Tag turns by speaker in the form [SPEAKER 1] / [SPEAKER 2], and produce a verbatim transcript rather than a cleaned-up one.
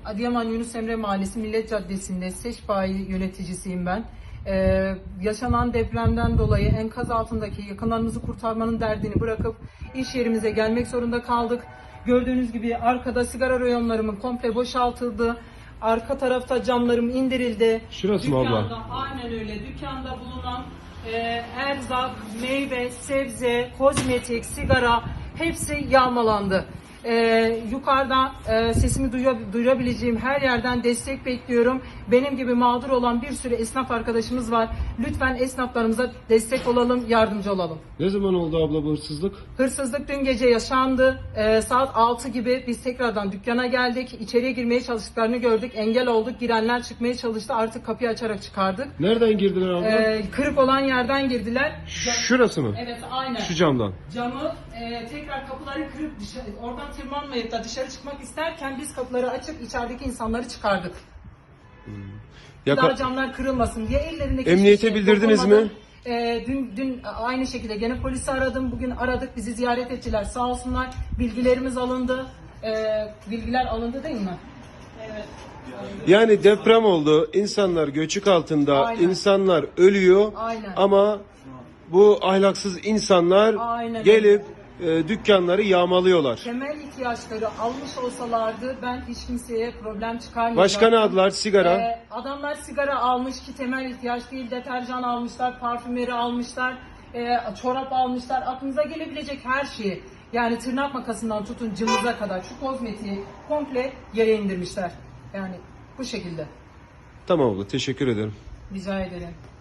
[SPEAKER 1] Adıyaman Yunus Emre Mahallesi Millet Caddesi'nde SEŞ bayi yöneticisiyim ben. Ee, yaşanan depremden dolayı enkaz altındaki yakınlarımızı kurtarmanın derdini bırakıp iş yerimize gelmek zorunda kaldık. Gördüğünüz gibi arkada sigara reyonlarımın komple boşaltıldı. Arka tarafta camlarım indirildi.
[SPEAKER 2] Şurası mı abla?
[SPEAKER 1] Dükkanda, aynen öyle. Dükkanda bulunan e, erzak, meyve, sebze, kozmetik, sigara hepsi yağmalandı. Ee, yukarıda e, sesimi duya, duyurabileceğim her yerden destek bekliyorum. Benim gibi mağdur olan bir sürü esnaf arkadaşımız var. Lütfen esnaflarımıza destek olalım, yardımcı olalım.
[SPEAKER 2] Ne zaman oldu abla bu hırsızlık?
[SPEAKER 1] Hırsızlık dün gece yaşandı. Ee, saat altı gibi biz tekrardan dükkana geldik. İçeriye girmeye çalıştıklarını gördük. Engel olduk. Girenler çıkmaya çalıştı. Artık kapıyı açarak çıkardık.
[SPEAKER 2] Nereden girdiler abla?
[SPEAKER 1] Ee, kırık olan yerden girdiler.
[SPEAKER 2] Şurası mı?
[SPEAKER 1] Evet, aynen.
[SPEAKER 2] Şu camdan.
[SPEAKER 1] Camı e, tekrar kapıları kırıp dışarı, oradan tırmanmayıp da dışarı çıkmak isterken biz kapıları açıp içerideki insanları çıkardık.
[SPEAKER 2] Yaka-
[SPEAKER 1] Daha camlar kırılmasın diye ellerindeki
[SPEAKER 2] Emniyete
[SPEAKER 1] şişe
[SPEAKER 2] bildirdiniz
[SPEAKER 1] dokunmadan,
[SPEAKER 2] mi?
[SPEAKER 1] E, dün dün aynı şekilde gene polisi aradım. Bugün aradık. Bizi ziyaret ettiler. Sağ olsunlar. Bilgilerimiz alındı. E, bilgiler alındı değil mi? Evet.
[SPEAKER 2] Yani deprem oldu, insanlar göçük altında,
[SPEAKER 1] Aynen.
[SPEAKER 2] insanlar ölüyor
[SPEAKER 1] Aynen.
[SPEAKER 2] ama bu ahlaksız insanlar
[SPEAKER 1] Aynen.
[SPEAKER 2] gelip e, dükkanları yağmalıyorlar.
[SPEAKER 1] Temel ihtiyaçları almış olsalardı ben hiç kimseye problem çıkarmayacaktım.
[SPEAKER 2] Başka ne aldılar? Sigara.
[SPEAKER 1] Ee, adamlar sigara almış ki temel ihtiyaç değil, deterjan almışlar, parfümeri almışlar, e, çorap almışlar, aklınıza gelebilecek her şeyi. Yani tırnak makasından tutun cımbıza kadar şu kozmetiği komple yere indirmişler. Yani bu şekilde.
[SPEAKER 2] Tamam abla, teşekkür ederim.
[SPEAKER 1] Rica ederim.